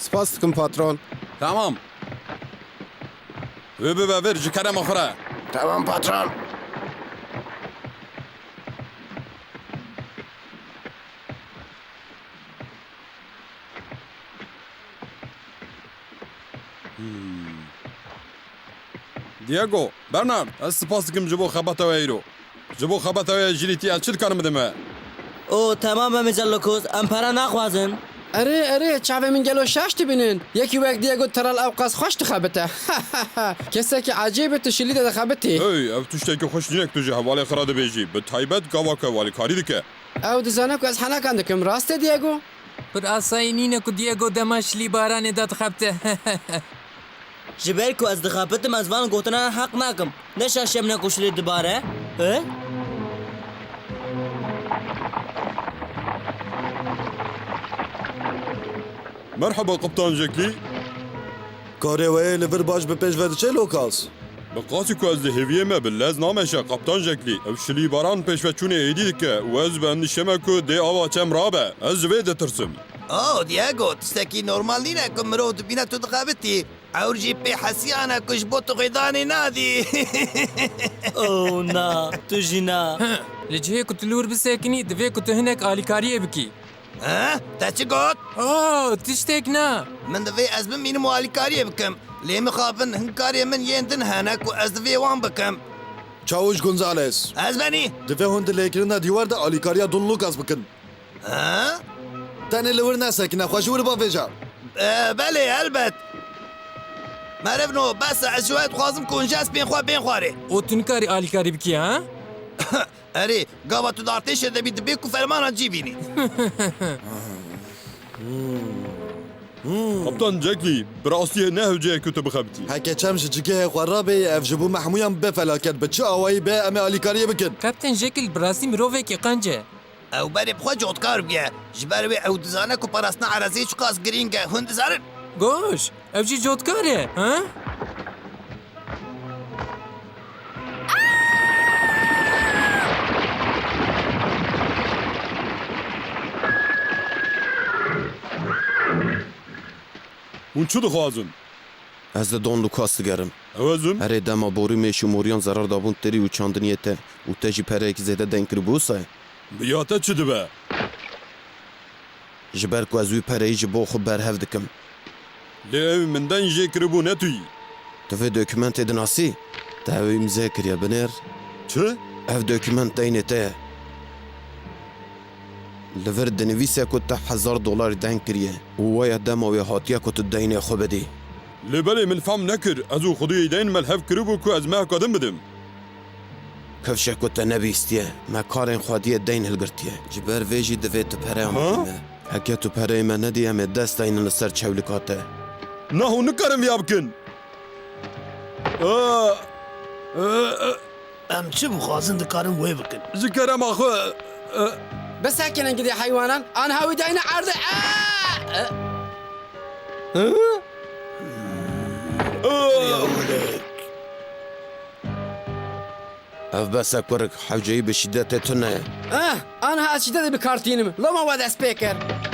Spas dikim patron. Tamam. Ve ver ji kerema xwe re. Tamam patron. Diego, Bernard, ez spas dikim ji bo xebata we îro. Ji bo xebata we jîlîtiya çi dikarim bidim me? او تمام مجلکوز ام پرا نخوازن اره چاوه من گلو شاش تبینن یکی وقت دیگو ترال اوقاز خوش تخبته کسی که عجیبه تشلی ده خبتی Hey, ev tuşteki xweş jinek tu ji hevalê xwe re dibêjî. Bi taybet gavaka walîkarî dike. او دزانه که از حنا کندکم راسته دیگو پر آسایی نینه که دیگو دمشلی باران داد خبته جبر کو از دخابتم از وان گوتنا حق نکم نشاشم نکوشلی دوباره اه Merhaba Kaptan Jackli. Karê wê li vir baş bi pêş ve diçe lokas? Bi qasî ku ez li hêviyê me bi lez nameşe Kaptan Jackli. Ev şilî baran pêşveçûnê êdî dike û ez bi endîşeme ku dê ava çem rabe. Ez ji wê ditirsim. Oh, Diego, tiştekî normal nîne ku mirov dibîne tu dixebitî. Ewr jî pê hesiyane ku ji bo tu xêdanê nadî. او نا تو جینا لجهه که تلور بسکنی دوی که تو هنک آلیکاریه بکی Ha? Te çi got? اوه تشتک نه Min divê ez bimînim û alîkariyê bikim. Lê mixabin hinkarê min yên din hene ku ez divê wan bikim. Çavuş Gonzales. Ez benî. Divê hûn dilêkirina dîwar de alîkariya Don Lucas bikin. Ha? Tenê li wir nesekine, xwe ji wir bavêja. Belê elbet. Merivno, besa ez ji we dixwazim ku hûn ji espên xwe bên xwarê. او تنکاری آلیکاری بکی ها Erê, gava tu dartêşê de bî dibê ku fermana cî bînî. Kaptan Jackli, bi rastiyê ne hewceyek ku tu bixebitî. Heke çem ji cigehê xwe rabê ev ji bo mehmûyan be felaket bi çi awayî be em ê alîkariyê bikin. کپتن جکل براسی مروفه که قنجه Ew berê bi xwe cotkar biye. Ji ber wê ew dizane ku parastina ereziyê çi qas girîng e. Hûn dizanin? گوش او جی جوتکاره ها Hûn çi dixwazin? Ez de Don Lucas digerim. Ew ez im? Herê dema borî mêş û moriyan zarar dabûn terî û çandiniyê te û te jî pereyekî zêde denk kiribû say. Ya te çi dibe? Ji ber ku ez wî pereyî ji bo xwe berhev dikim. Lê ew min den jê kiribû ne tuyî. Tu vê dokûmentê dinasî? Te ew îmzê kiriye binêr. Çi? Ev dokûment deynê te ye. Li vir dinivîse ku te $1000 denk kiriye û waya dema wê hatiye ku tu deynê xwe bidî. Lê belê min fehm nekir. Ez û xwediyê deyn me hev kiribû ku ez mehkadim bidim. Kevşek ku te nebîstiye, me karên xwediyê deyn hilgirtiye. Ji ber vê jî divê tu pereya me. Heke tu pereyê me nedî em ê dest deynin li ser çewlika te. Na hûn nikarim ya bikin. Em çi bixwazin dikarin wê bikin. Ji kerema xwe بسکنن گدی حیوانان آن هاوی داینه عرضه Ev besa kurik hewceyî bi şîddetê tune ye. آن ها اشیده دی بکارتینم لما ود اسپیکر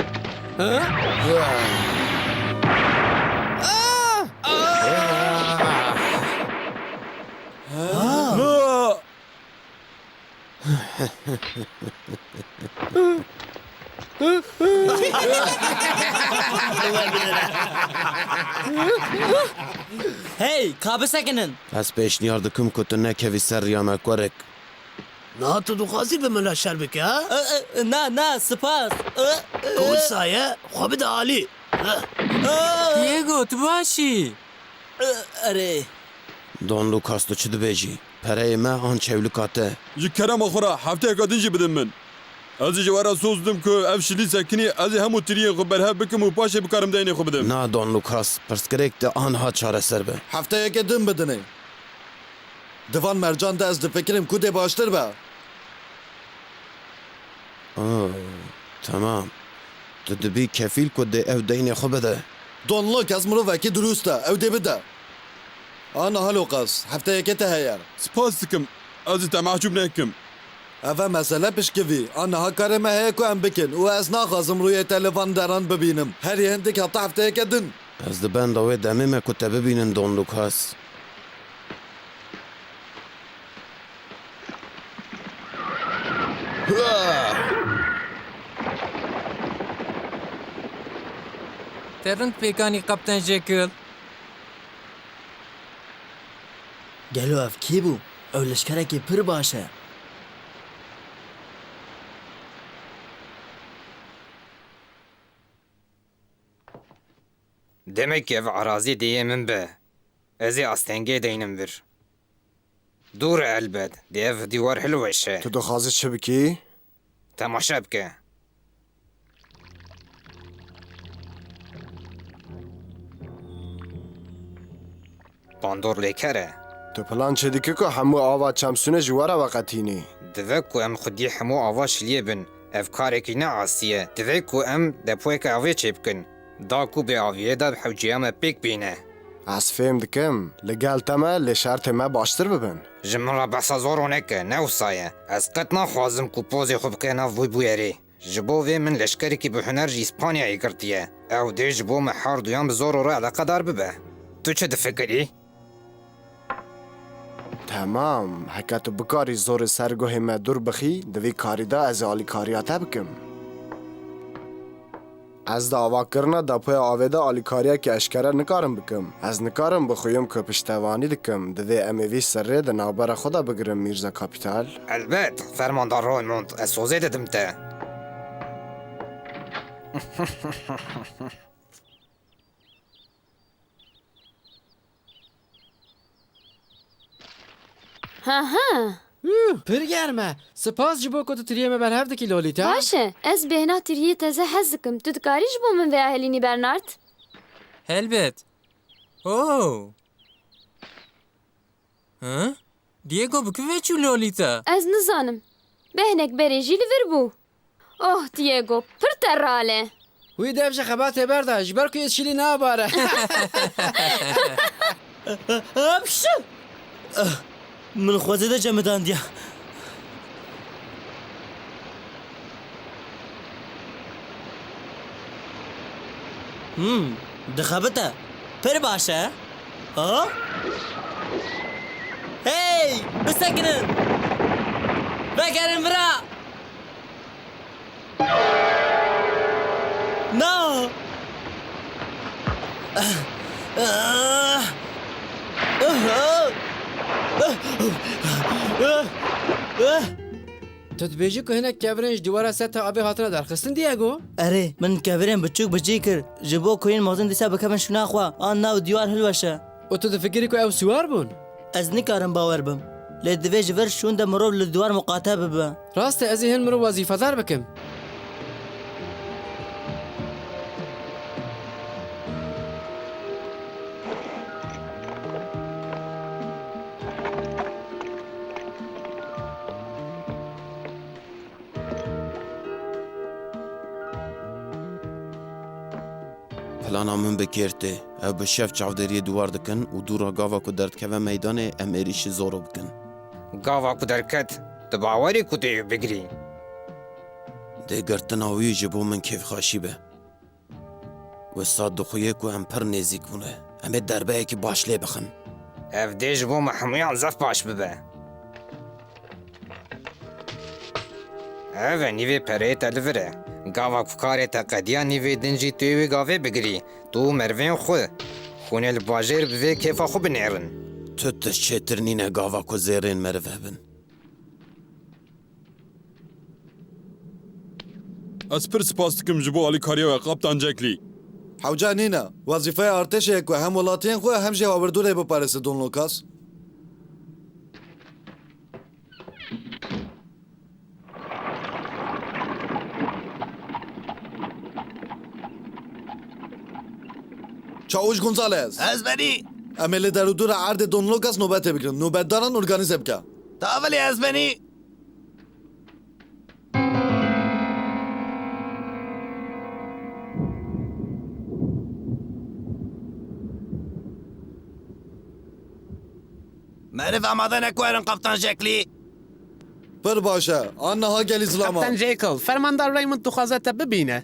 هی کابه سکنن Ez pêşniyar dikim ku tu nekevî ser riya me kurik. Na tu dixwazî bi min şer bike ha? نه نه سپاس Ku saye xwe bide alî. دیگو تو باشی اره Don Lucas tu çi dibêjî? Pereyê me an çewlika te. ji kerema xwe re hefteyeka din jî bidin min. Ez ji were soz didim ku ev şilî sekinî ez ê hemû tiriyên xwe berhev bikim û paşê bikarim deynê xwe bidim. Na Don Lucas, pirsgirêk te anha çareser be. Hefteyekê din bidinê. Divan mercan de ez difikirim ku dê baştir be. Tamam. Tu dibî kefîl ku dê ev deynê xwe bide. Don Lucas mirovekî durûst e, ew dê bide. Ana halokas, hefteyekê te heye. Spas dikim. Ez ê te mehcûb nekim. Eve mesele pişkevî. Aniha karê me heye ku em bikin û ez naxwazim rûyê televan deran bibînim. Herî hindik heta hefteyeke din. Ez di benda wê demê me ku te bibînin Don Lucas. Te rind pêkanî Kaptan Jekyll. Gelo ev kî bû? Ew leşkerekî pir baş e. Demek ev arazi diye min be. Ez ê astengê deynim vir. Dur elbet. Di ev dîwar hilweşe. Tu dixwazî çi bikî? Temaşa bike. Bandor lêker e. Tu plan çi dikî ku hemû ava çemsûnê ji we re veqetînî? Divê ku em xwedî hemû ava şiliyê bin. Ev karekî ne asî ye. Divê ku em depoyeka avê çê bikin. Da ku bê aviyê de hewciya me pêk bîne. Ez fêm dikim. Li gel te me lê şertê me baştir bibin. Ji min re behsa zor neke, ne wisa ye. Ez qet naxwazim ku pozê xwe bike nav vî bûyerê. Ji bo vê min leşkerekî bi huner jî İspanyayê girtiye. Ew dê ji bo me her duyan bi zor re eleqedar bibe. Tu çi difikirî? Temam. Heke tu bikarî zorê sergohê me dur bixî, di vê karî de ez ê alîkariya te bikim. Ez di avakirina depoya avê de alîkariyekî eşkere nikarim bikim. Ez nikarim bixuyim ku piştevanî dikim. Divê em ê vî serrê di navbera xwe de bigirim Mîrza Kapital. Elbet, fermandar Raymond, ez sozê dedim te. Pir germ e. Spas ji bo ku tu tiriyê me berhev dikî Lolita. Baş e. Ez bêhna tiriyê teze hez dikim. Tu dikarî ji bo min vêya helînî Bernard? Helbet. Oh. Ha? Diego bikivê çû Lolita. Ez nizanim. Behnek berê jî li vir bû. Oh Diego, pir terral e. Wî dev ji xebatê berda ji ber ku ez şîlî nabare. Apşu! Min xwezê de cemidandiye. Dixebite. Pir baş e. Ha? Hey! Bisekinin! Vegerin vira! No! Tu dibêjî ku hinek kevirên ji dîwara ser te avê hatine derxistin Diego? Erê, min kevirên biçûk bicî kir. Ji bo ku yên mezin dîsa bikevin şûna xwe, an nav dîwar hilweşe. û tu difikirî ku ew siwar bûn? Ez nikarim bawer bim. Lê divê ji vir şûn de mirov li dîwar muqate bibe. Rast e ez ê hin mirov wezîfedar bikim. Plana min bikêrtê. Ew bi şev çavderiyê dîwar dikin û dûra gava ku derdkeve meydanê em êrişî zoro bikin. Gava ku derket, tu bawerî ku tu yê bigirî. Dê girtina wî ji bo min kêfxweşî be. Wisa dixuye ku em pir nêzik bûne. Em ê derbeyekî baş lê bixin. Ev dê ji bo me hemûyan zef baş bibe. Ev e nîvê pereyê te li vir e. Gava ku karê te qediya nîvê din jî tu yê wê gavê bigirî. Tu mervên xwe. Hûn ê li bajêr bi vê kêfa xwe binêrin. Tu tişt çêtir nîne gava ku zêrên meriv hebin. Ez pir spas dikim ji bo alîkariya we Kaptan Jekyll. Hewca nîne. Wezîfeya artêşê ye ku hem welatiyên xwe hem jî hawirdûrê biparêse Don Lucas. Çavuş Gonzales. Ez benî. Em ê li derûdûra erdê Don Lucas nobetê bikin. Nobetdaran organize bike. Tavelê ez benî. Meriv amade nekwerin Kaptan Jekyll. پر باشه آنها گلی زلاما کپتان جیکل فرماندار ریموند دخوازه تا ببینه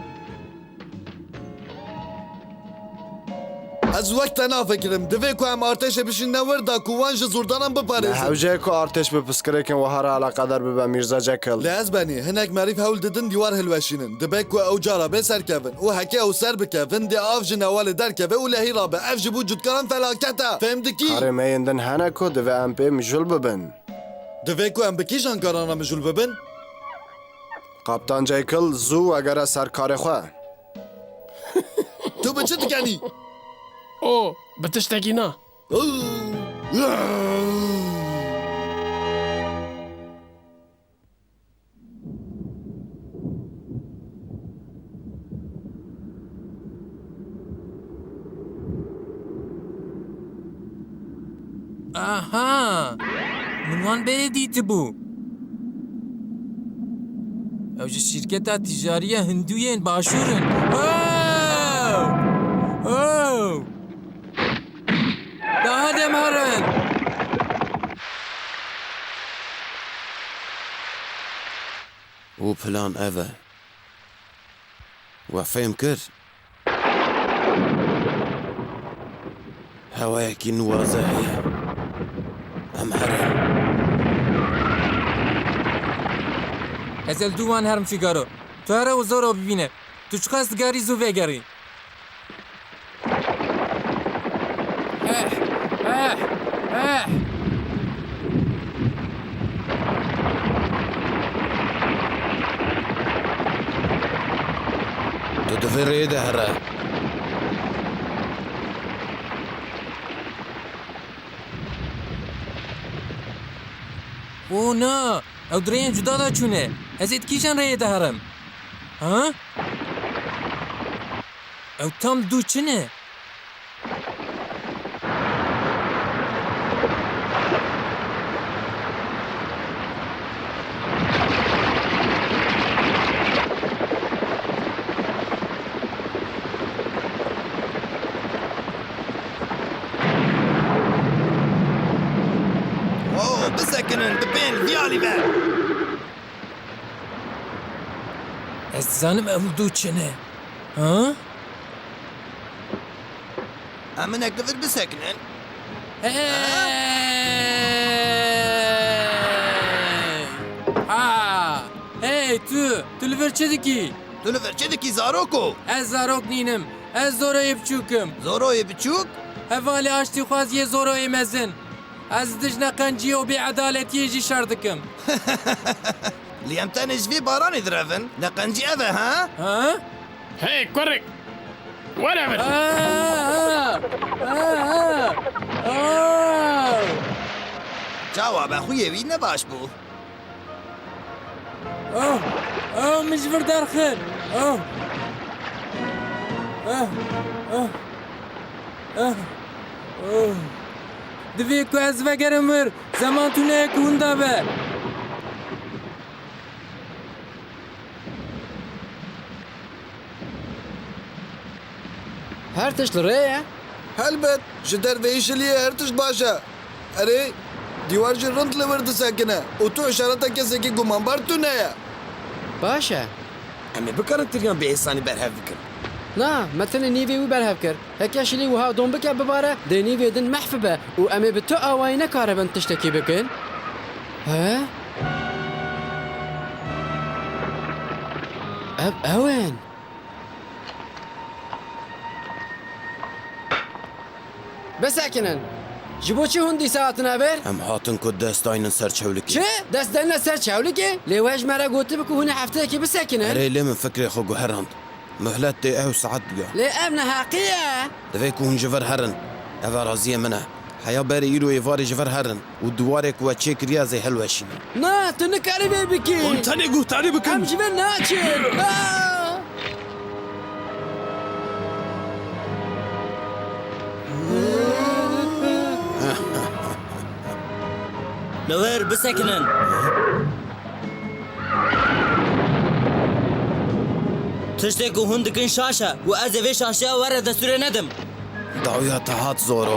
از وقت نافکرم دوی که هم ارتش بشین نورده کوان جزوردانم بپارێزن هەوجەیە و ئارتش بە پسکرێکن و هەر علاقەدار ببە میرزا جەکەڵ لە ئەزبانی هەنێک مەریف هەول ددن دیوار هەلوەشینن دەبێت کو ئەو جارە بێ سەرکەون و هەکێ ئەو سەر بکەون دێ ئاف ji نەوەلێ دەرکەوێ و لە هیرا بە ئەف ji بوو جوتکەران فەلاکەتە فێمدکی هەرێمەیەندن هەنە کۆ دەوێ ئەم پێ میژول ببن دەوێت کو ئەم بکیژ ئەنکارانە مژول ببن قاپتان جەیکڵ زوو ئەگەرە سەرکارێ خوێ تو بە چ دکەنی ئۆ بە تشتێکی نا ئاها منوان بێ دیتبوو ئەو ji şîrketa tîjariya Hindûyên başûrin daha demherin û plan ev e we fêm kir hewayekî nuwaze heye em herin ez el dû wan herim fîgaro tu here û zor bibîne tu çiqas digarî zû vegerî tu divê rê de here O na ew dirêyên cuda da çûne ez ê kîjan rêyê de herim ha ew tam dû çi ne بسەکنن ببێن دیالی بە ez dizanim ew dû çi ne ha ئەم منێک دەبێت بسەکنن hey tu li vir çi dikî تو لەڤەر چێ دەکی زارۆک و ez zarok nînim ez zoroyê biçûkim زۆرۆیە بچووک hevalê aştîxwaziyê zoroyê mezin ez dijne qenciyê û bêedaletiyê jî şer dikim لی ئەم تەنێ ji vê baranê direvin neqencî ev e ha ha hey korik وەرە بن çawa bexuyê wî ne baş bû min ji vir derxin divê ku ez vegerim vir zeman tûneyek hûn da be هەر تشت لە ڕێیە هەلبەت ji derveyî şiliyê her tişt baş e erê dîwar jî rind li wir disekine û tu işareta kesekî gumanbar tu neye باشە em ê bikarin tiriyan bê êsanî berhev bikin نا me tenê nîvê wî berhev kir heke şilî wiha dom bike bibare dê nîvê din mehf be û em ê bi tu awayî nekaribin tiştekî bikin he ev ew in bisekinin ji bo çi hûn dîsa hatine ver em hatin ku destaynin ser çewlikê çi dest derine ser çewlikê lê we ji me re gotibi ku hûn ê hefteyekê bisekinin erê lê min fikrê xwe guherand mihlet tê ew saet biga lê ev neheqiye divê ku hûn ji vir herin ev raziyê min e heya berê îro êvarê ji vir herin û diwarê ku we çê kiriya zê helweşînin na tu nikarî vê bikî tenê guhtarî bikin em ji vir naçin li wir bisekinin tiştê ku hûn dikin şaş e û ez ê vê şaşeya were destûrê nedim dawiya te hat zoro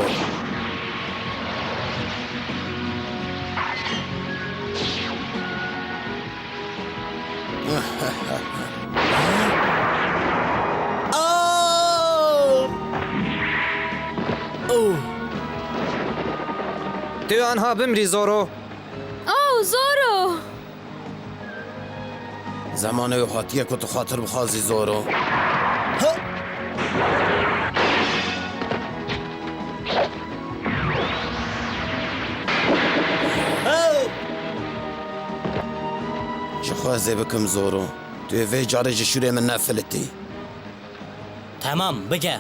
تو آنها بمری زورو اوه زورو زمانه هاتیه که تو خاطر بخوازی زورو. چه خوازه بکم زورو؟ توی وی جاره جشوری من نفلتی. Tamam bike.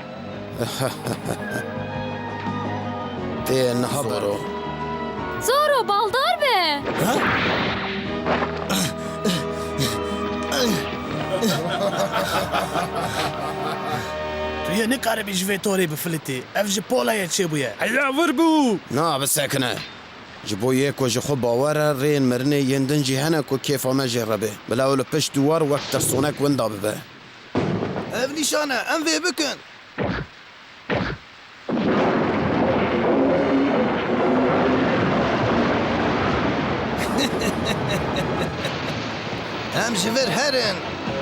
تی نها زورو. زورو baldar be. تو یه نکاره بی جوی توری بفلتی اف جی پولایه چه بویه هلا وربو نه بسکنه. جبو یک و جخو باوره رین مرنه یندن جهنه کو کیف ما جربه. بلا ولو پش دوار وقت ترسونک وندا ببه. اف نشانه ام في بكن ام جفر هرن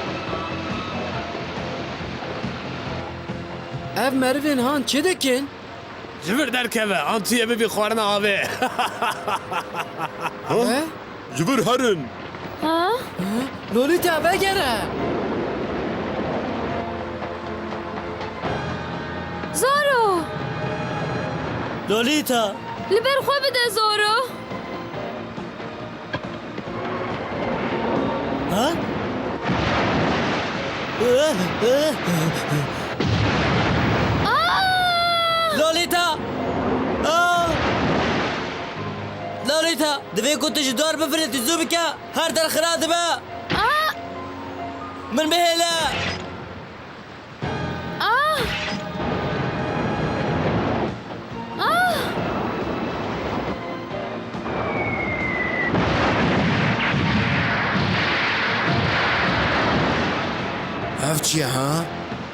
ev merivên han çi dikin? جبر derkeve antiye bibi xwarina avê He? Jibir herin. Ha? Lolita vegere. زورو Lolita. li ber xwe bide zoro. Ha? Lolita. Lolita. Divê ku tu ji dor bifirîtî zû bike. Her der xira dibe. Min bihêle. اف چیه ها؟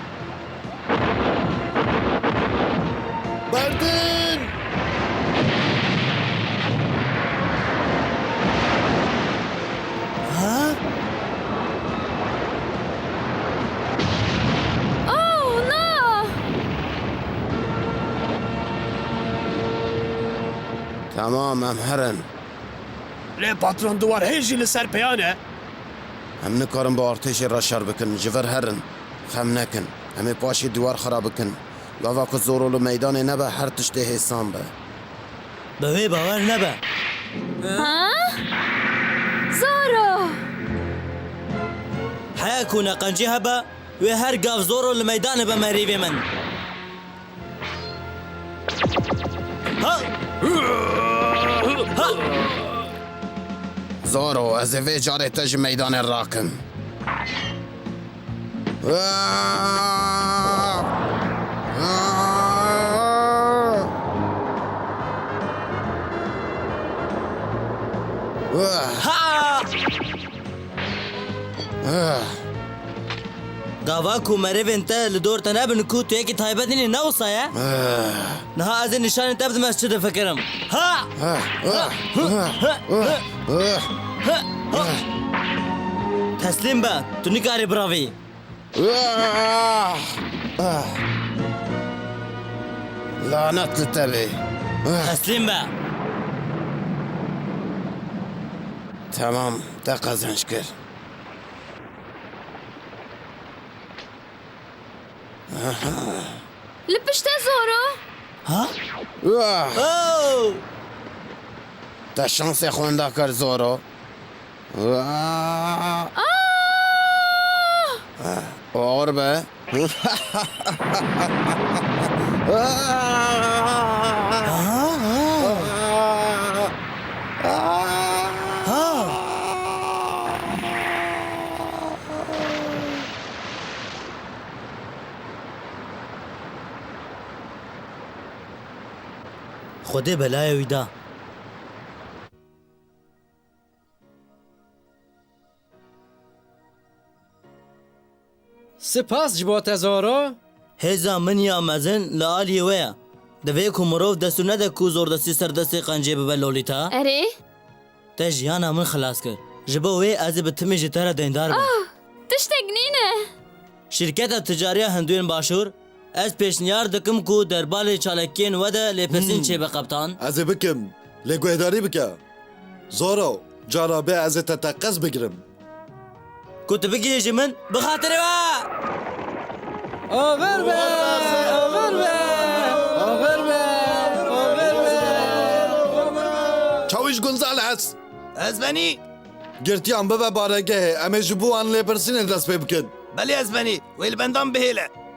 بردن اوه نه. تمام ام هرن. لێ پاترۆن دووار هێژی لەسەر پێیانە هم نکارم با ارتش رشار بکن. جور هرن. خم نکن. همه پاشی دیوار خراب بکن. لاوا که زورولو میدان نبه هر تشته حسان به. Bi wê bawer nebe. Ha? زورو Heya ku neqencî hebe wê her gav zoro li meydanê be merîvê min. Ha! Ha! زورو از وی جاره تج میدان راکم. Ha! Gava ku merivên te li dor te nebin ku tu yekî taybetînê newsaye? Niha ez ê nişanê te bidim ez çi difikirim. Ha! Teslîm be, tu nikarî biravî. لعنت لتبي. Teslîm be. تمام ده قزنش کر. li pişte zoro. Ha? Oh! ده شانس خونده کر زورو. اور به. خودê belaya wî da. Spas ji bo te zoro. Hêza min ya mezin li aliyê we ye. Divê ku mirov dest û nede ku zordestî serdestê qencê bibe Lolita. Erê Te jiyana min xilas kir. Ji bo wê ez ê bi timê ji te re deyndar bim. Tiştek nîne. Şirketa ticariya Hindûyên Başûr ez pêşniyar dikim ku derbalê çalekiyên we de lêpirsîn çêbe qeptan. Ez ê bikim. Lê guhdarî bike. Zoro, cara bê ez ê te teqez bigirim. Ku tu bigîrî ji min bi xatirê we. Over be! Over be! Over be! Over be! Çawiş Gonzales! Ez benî. Girtiyan bibe baregehê em ê ji bo an lêpirsînê dest pê bikin. Belê ez benî. Wê li bendan bihêle.